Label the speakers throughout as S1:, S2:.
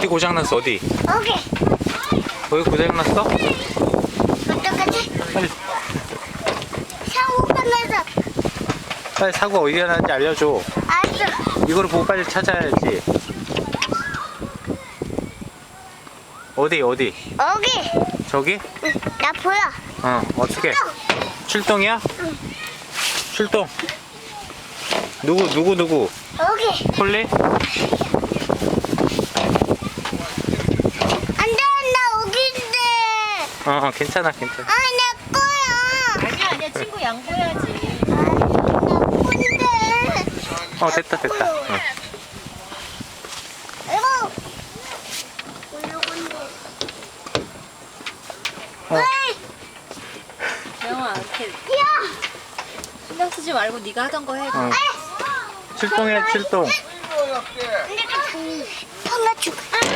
S1: 고장났어. 어디?
S2: 여기.
S1: 거기 고장났어?
S2: 어떡하지?
S1: 빨리,
S2: 사고가 나서.
S1: 빨리 사고 어디가 났는지 알려줘.
S2: 알았어.
S1: 이걸 보고 빨리 찾아야지. 어디?
S2: 여기.
S1: 저기?
S2: 응, 나 보여.
S1: 어떻게? 출동이야? 출동. 누구?
S2: 여기.
S1: 폴리?
S2: 안 돼, 나 여기인데.
S1: 괜찮아.
S2: 아, 내 거야.
S3: 아니야 친구 양보해야지.
S2: 나 건데.
S1: 됐다. 응.
S2: 이거. 올라간대. 어이,
S3: 영아 이렇게
S2: 야.
S3: 신경 쓰지 말고 네가 하던 거 해.
S1: 출동해, 출동.
S2: 방아 죽.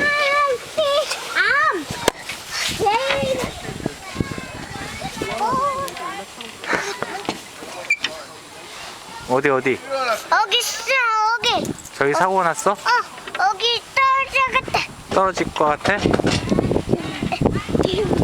S1: 어디?
S2: 여기 있어, 여기.
S1: 저기 사고 났어?
S2: 여기 떨어져갔다.
S1: 떨어질 것 같아?